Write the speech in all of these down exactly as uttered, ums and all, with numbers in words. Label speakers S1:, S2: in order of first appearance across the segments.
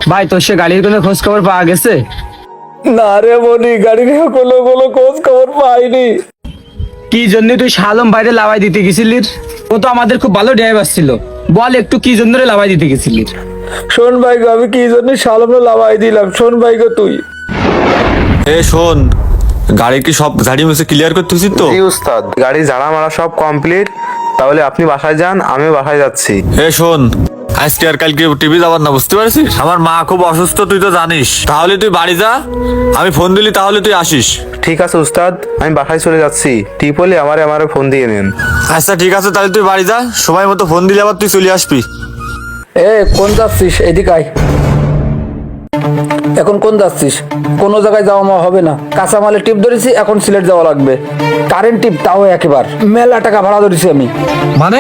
S1: ভাই তোর সে গাড়ির কোনো খোঁজ খবর পাওয়া গেছে?
S2: না রে মনি, গাড়ির কোনো কোনো খোঁজ খবর পাইনি।
S1: কি জন্য তুই শালম বাইরে লাভাই দিতে গেছিলিস? ও তো আমাদের খুব ভালো ড্রাইভার ছিল, বল একটু কি জন্য রে লাভাই দিতে গেছিলিস?
S2: শোন ভাই গো, আমি কি জন্য শালমে লাভাই দিলাম, শোন ভাই গো তুই।
S3: এ শোন, গাড়ি কি সব ঝাড়ি মুছে ক্লিয়ার করতেছিস তো?
S4: জি উস্তাদ, গাড়ি ঝাড়া মারা সব কমপ্লিট। তাহলে আপনি বাসায় যান, আমি বাসায় যাচ্ছি।
S3: এ শোন, আজকে আর কালকে টিভি যাবার না, বুঝতে পারছিস? আমার মা খুব অসুস্থ, তুই তো জানিস। তাহলে তুই বাড়ি যা, আমি ফোন দিলি তাহলে তুই আসিস।
S4: ঠিক আছে উস্তাদ, আমি বাসায় চলে যাচ্ছি। টিপ হলে আমারে আমারে ফোন দিয়ে নেন।
S3: আচ্ছা ঠিক আছে, তাহলে তুই বাড়ি যা, সময় মতো ফোন দিলে আবার তুই চলে আসবি।
S2: এ কোন যাচ্ছিস? এদিকে আয়। এখন কোন যাচ্ছিস? কোনো জায়গায় যাওয়া মা হবে না। কাঁচামালে টিপ ধরেছি, এখন সিলেট যাওয়া লাগবে। কারেন্ট টিপ, তাও একেবার মেলা টাকা ভাড়া ধরেছি আমি।
S3: মানে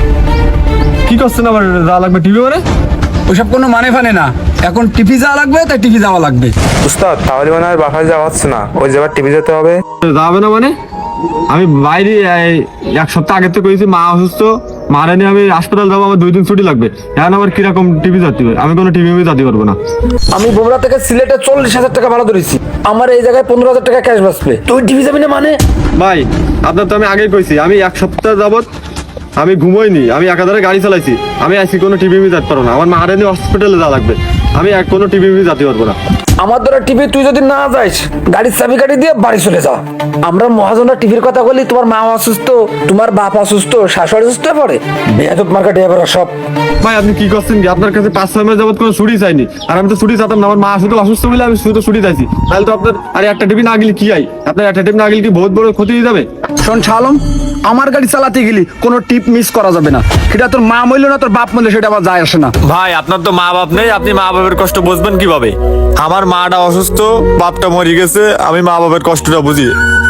S3: কি করছেন আবার? যা লাগবে টিভি মানে?
S1: ওসব কোনো মানে ফানে না, এখন টিভি যাওয়া লাগবে তাই টিভি যাওয়া লাগবে।
S4: উস্তাদ তাহলে মানে আর বাসায় যাওয়া হচ্ছে না, ওই জায়গায় টিভি যেতে হবে।
S3: যাবে না মানে? আমি বাইরে এই এক সপ্তাহ আগে থেকে কইছি মা অসুস্থ, মারে নিয়ে আমি হাসপাতাল যাবো, আমার দুই দিন ছুটি লাগবে। এখন আবার কিরকম টিভি যাতে হবে? আমি কোনো টিভি যেতে পারবো না।
S2: আমি বোমরা থেকে সিলেটে চল্লিশ হাজার টাকা ভাড়া ধরেছি, আমার এই জায়গায় পনেরো হাজার টাকা ক্যাশ বাঁচবে। তুই টিভি যাবি না মানে?
S3: ভাই আপনার তো আমি আগেই কইছি, আমি এক সপ্তাহ যাবত আমি ঘুমোইনি, আমি একাধারে গাড়ি চালাইছি। আমি আজকে কোনো টিভি যেতে পারবো না, আমার মারে নিয়ে হসপিটালে যাওয়া লাগবে। আমি এক কোনো টিভি যেতে পারবো না।
S2: আমার দ্বারা টিভি তুই যদি না যাইস, গাড়ির চাবি কাটি দিয়ে বাড়ি চলে যা। আমরা মহাজনরা টিভির কথা বলি, তোমার মা অসুস্থ, তোমার বাপ অসুস্থ, শাশুড়ি অসুস্থ পড়ে বেয়াদব মার্কা ড্রাইভার সব।
S3: ভাই আপনি কি করছেন কি? আপনার কাছে পাঁচ ছয় মাস যাবত কোনো ছুটি চাইনি, আর আমি তো ছুটি চাইতাম না। আমার মা শুধু অসুস্থ বলে আমি শুধু ছুটি চাইছি। তাহলে তো আপনার আর একটা টিভি না গেলে কি হয়? আপনার একটা টিভি না গেলে কি বহুত বড় ক্ষতি হয়ে যাবে?
S1: শোন শালম, আমার গাড়ি চালাতে গেলি কোনো টিপ মিস করা যাবে না। সেটা তোর মা মইল না তোর বাপ মইল, সেটা আমার যায় আসে না।
S3: ভাই আপনার তো মা বাপ নেই, আপনি মা বাবার কষ্ট বুঝবেন কিভাবে? আমার মাটা অসুস্থ, বাপটা মরে গেছে, আমি মা বাবার কষ্টটা বুঝি।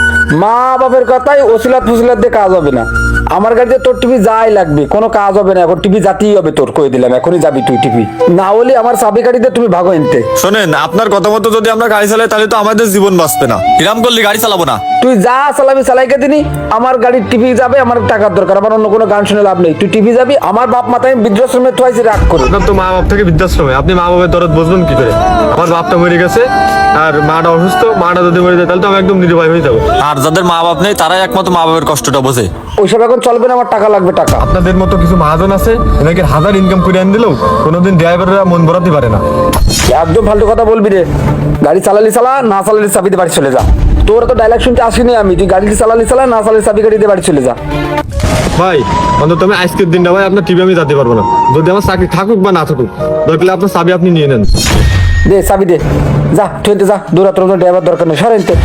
S2: মা বাপের কথাই ওসিলাত ফসিলাত দিয়ে কাজ হবে না। আমার গাড়িতে তোর টিভি যাই লাগবে, কোনো কাজ হবে না। এখন টিভি যাতেই হবে তোর, কই দিলাম এখনই যাবি তুই টিভি না হলে আমার চাবি গাড়িতে তুমি ভাগো এনতে।
S3: শোনেন, আপনার কথা মতো যদি আমরা গাড়ি চালাই তাহলে তো আমাদের জীবন বাঁচবে না। এরকম করলে গাড়ি চালাবো না।
S2: তুই যা চালাবি চালাইকে দিনি, আমার গাড়ির টিভি যাবে, আমার টাকার দরকার, আমার অন্য কোনো গান শুনে লাভ নেই। তুই টিভি যাবি, আমার বাপ মাথায় আমি বৃদ্ধাশ্রমে থুয়াইছি, রাগ করে।
S3: আপনার তো মা বাপ থেকে বৃদ্ধাশ্রমে, আপনি মা বাবার দরদ বুঝবেন কি করে? আমার বাপটা মরে গেছে আর মাটা অসুস্থ, মাটা যদি মরে যায় তাহলে তো আমি একদম নিরুপায় হয়ে যাবো। আর যাদের মা বাপ নেই তারাই একমাত্র মা বাবার কষ্টটা বোঝে।
S2: ওইসব এখন চলবে না, আমার টাকা লাগবে টাকা।
S3: আপনাদের মতো কিছু মহাজন আছে, এনাকে হাজার ইনকাম করে আন দিলেও কোনোদিন ড্রাইভাররা মন ভরাতে পারে না।
S2: একদম ফালতু কথা বলবি রে। গাড়ি চালালি চালা, না চালালি চাবিতে বাড়ি চলে যা। তোর তো ডায়লগ শুনতে আসিনি আমি। তুই গাড়ি চালালি চালা, না চালালি চাবি গাড়িতে বাড়ি চলে যা।
S3: ভাই অন্তত আমি আজকের দিনটা ভাই আপনার টিভি আমি যেতে পারবো না। যদি আমার চাকরি থাকুক বা না থাকুক, দরকার আপনার চাবি আপনি নিয়ে নেন।
S2: দে চাবি দে, যা ট্রেনতে যা। দূরাত্র ড্রাইভার দরকার নেই, সরেনতে।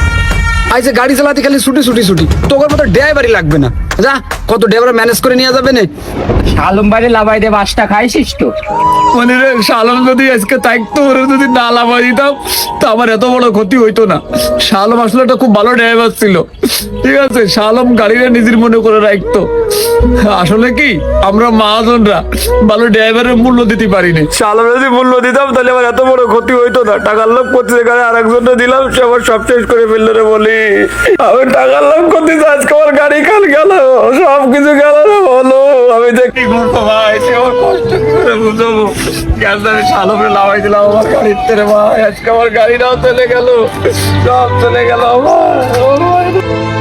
S1: আইসে গাড়ি চালাতে খালি ছুটি ছুটি ছুটি, তোর মতো ড্রাইভারই লাগবে না। যা, কত ড্রাইভার ম্যানেজ করে নিয়ে যাবে না। শালম বাইরে লাভাই দে বাসটা খাইছিস তো? মানে রে শালম যদি আজকে থাকতো, ওরা যদি না লাভাই দিতাম তো আমার এত বড় ক্ষতি হইতো না। শালম আসলে একটা খুব ভালো ড্রাইভার ছিল, ঠিক আছে? শালম গাড়িটা নিজের মনে করে রাখতো। আসলে কি আমরা মহাজনরা ভালো ড্রাইভারের মূল্য দিতে পারিনি।
S2: শালম যদি মূল্য দিতাম তাহলে আমার এত বড় ক্ষতি হইতো না। টাকার লোভ করতে গাড়ি আর একজনকে দিলাম, সে আমার সব শেষ করে ফেললো রে। বলি আমি টাকার লোভ করতে আজকে আমার গাড়ি কাল গেল, সব কিছু গেল রে। বলো আমি যে কি করবো ভাই, সে আমার কষ্ট কি করে বুঝবো? গ্যাস আমি শালমে লাভাই দিলাম আমার গাড়িতে রে ভাই, আজকে আমার গাড়িটাও চলে গেল, সব চলে গেল আমার।